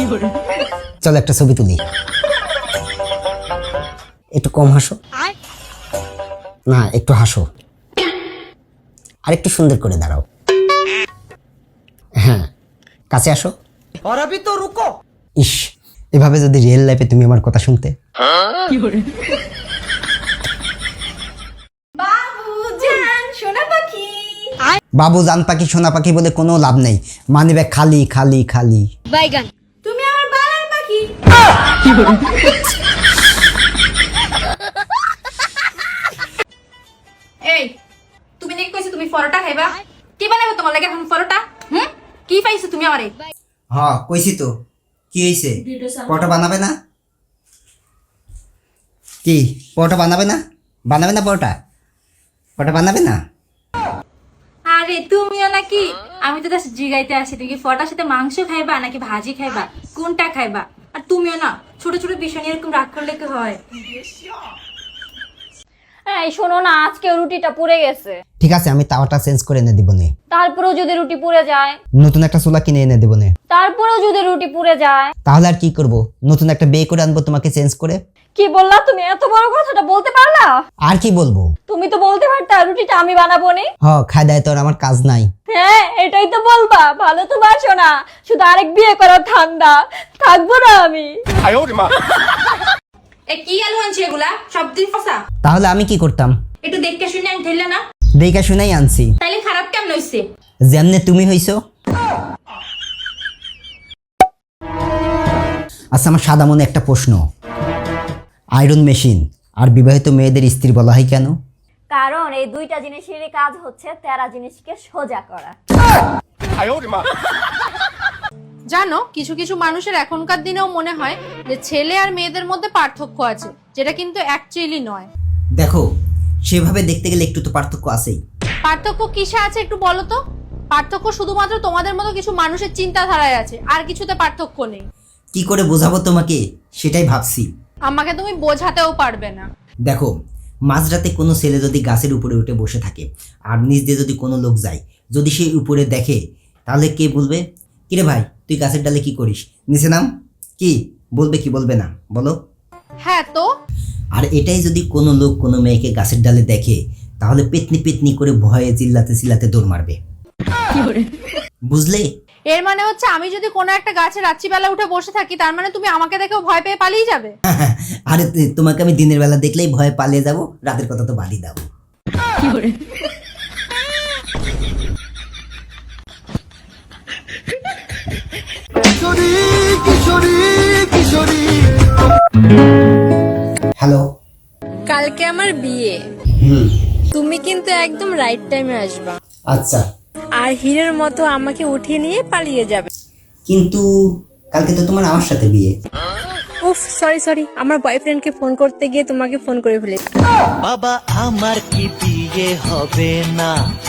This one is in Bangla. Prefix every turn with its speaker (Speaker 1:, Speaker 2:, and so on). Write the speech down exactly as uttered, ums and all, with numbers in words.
Speaker 1: চলো একটা ছবি তুলি। একটু কম হাসো, না একটু হাসো, আর একটু সুন্দর করে দাঁড়াও। হ্যাঁ, কাছে আসো।
Speaker 2: और अभी तो रुको।
Speaker 1: ইস, এভাবে যদি রিয়েল লাইফে তুমি আমার কথা শুনতে।
Speaker 3: বাবুজান সোনা পাখি,
Speaker 1: বাবু জান পাখি সোনা পাখি বলে কোনো লাভ নেই, মানি ব্যাগ খালি খালি খালি।
Speaker 3: বাইগান তুমি আমার বালার পাখি। এই তুমি নাকি কইছো তুমি পরোটা খাইবা? কি বানাবো তোমার লাগে এখন পরোটা? হুম, কি পাইছো তুমি আমারে?
Speaker 1: হ্যাঁ কইছি তো, কি হয়েছে? পরোটা বানাবে না? কি পরোটা বানাবে না? বানাবে না পরোটা? পরোটা বানাবে না?
Speaker 3: আরে তুমিও নাকি, আমি তো জাস্ট জিগাইতে আসি তুমি কি পরোটার সাথে মাংস খাইবা নাকি ভাজি খাইবা, কোনটা খাইবা? আর তুমিও না ছোট ছোট বিষয় নিয়ে এরকম রাগ করলে কি হয়?
Speaker 4: এই শোনো না, আজকে রুটিটা পুড়ে গেছে।
Speaker 1: ঠিক আছে, আমি তাওয়াটা চেঞ্জ করে এনে দিব নে।
Speaker 4: তারপরেও যদি রুটি পুড়ে যায়?
Speaker 1: নতুন একটা চুলা কিনে এনে দেবো নে।
Speaker 4: তারপরেও যদি রুটি পুড়ে যায়?
Speaker 1: তাহলে আর কি করব, নতুন একটা বিয়ে করে আনবো তোমাকে চেঞ্জ করে।
Speaker 4: কি বললা তুমি? এত বড় কথাটা বলতে পারলা?
Speaker 1: আর কি বলবো?
Speaker 4: তুমি তো বলতে পারতা রুটিটা আমি বানাবো নি।
Speaker 1: হ, খাই দেয় তোর আমার কাজ নাই।
Speaker 4: হ্যাঁ, এটাই তো বলবা, ভালো তো বাসো না, শুধু আরেক বিয়ে করার ঠান্ডা, থাকবো না আমি।
Speaker 3: এ কি আলু আনছি এগুলা সব দিন ফসা?
Speaker 1: তাহলে আমি কি করতাম?
Speaker 3: একটু দেখতে শুনে আমি ধরলে না,
Speaker 1: দেখে শুনেই আনছি।
Speaker 3: তাইলে খারাপ কেমন হইছে?
Speaker 1: যেমনে তুমি হইছো। আচ্ছা, আমার সাদা মনে একটা প্রশ্ন, আয়রন মেশিন আর বিবাহিত মেয়েদের স্ত্রী বলা হয় কেন?
Speaker 4: কারণ এই দুইটা জিনিসেরই কাজ হচ্ছে তেরা জিনিসকে সোজা করা।
Speaker 5: জানো, কিছু কিছু মানুষের এখনকার দিনেও মনে হয় যে ছেলে আর মেয়েদের মধ্যে পার্থক্য আছে, যেটা কিন্তু অ্যাকচুয়ালি নয়।
Speaker 1: দেখো, সেভাবে দেখতে গেলে একটু তো পার্থক্য আছেই।
Speaker 5: পার্থক্য কিসে আছে একটু বলো তো? পার্থক্য শুধুমাত্র তোমাদের মতো কিছু মানুষের চিন্তাধারায় আছে, আর কিছুতে পার্থক্য নেই।
Speaker 1: কি করে বোঝাবো তোমাকে সেটাই ভাবছি।
Speaker 5: আমাকে তুমি বোঝাতেও পারবে না।
Speaker 1: দেখো, মাঝরাতে কোনো ছেলে যদি গাছের উপরে উঠে বসে থাকে আর নিচ দিয়ে যদি কোনো লোক যায়, যদি সে উপরে দেখে, তাহলে কে বলবে কিরে ভাই তুই গাছের ডালে কি করিস, নিচে নাম? কি বলবে কি বলবে না বলো?
Speaker 5: হ্যাঁ তো।
Speaker 1: আর এটাই যদি কোনো লোক কোনো মেয়েকে গাছের ডালে দেখে, তাহলে পেতনি পেতনি করে ভয়ে চিল্লাতে চিল্লাতে দৌড় মারবে। বুঝলে?
Speaker 5: এর মানে হচ্ছে আমি যদি কোনো একটা গাছে রাত্রিবেলা উঠে বসে থাকি, তার মানে তুমি আমাকে দেখেও ভয় পেয়ে পালিয়ে যাবে?
Speaker 1: আরে তোমাকে আমি দিনের বেলা দেখলেই ভয়ে পালিয়ে যাব, রাতের কথা তো বাদই দাও। হ্যালো,
Speaker 6: কালকে আমার বিয়ে,
Speaker 1: হুম
Speaker 6: তুমি কিন্তু একদম রাইট টাইমে আসবা,
Speaker 1: আচ্ছা,
Speaker 6: আর হিরের মতো আমাকে উঠিয়ে নিয়ে পালিয়ে যাবে।
Speaker 1: কিন্তু কালকে তো তোমার আমার সাথে বিয়ে।
Speaker 6: উফ সরি সরি, আমার বয়ফ্রেন্ডকে ফোন করতে গিয়ে তোমাকে ফোন করে ফেলেছি।
Speaker 2: বাবা আমার কি বিয়ে হবে না?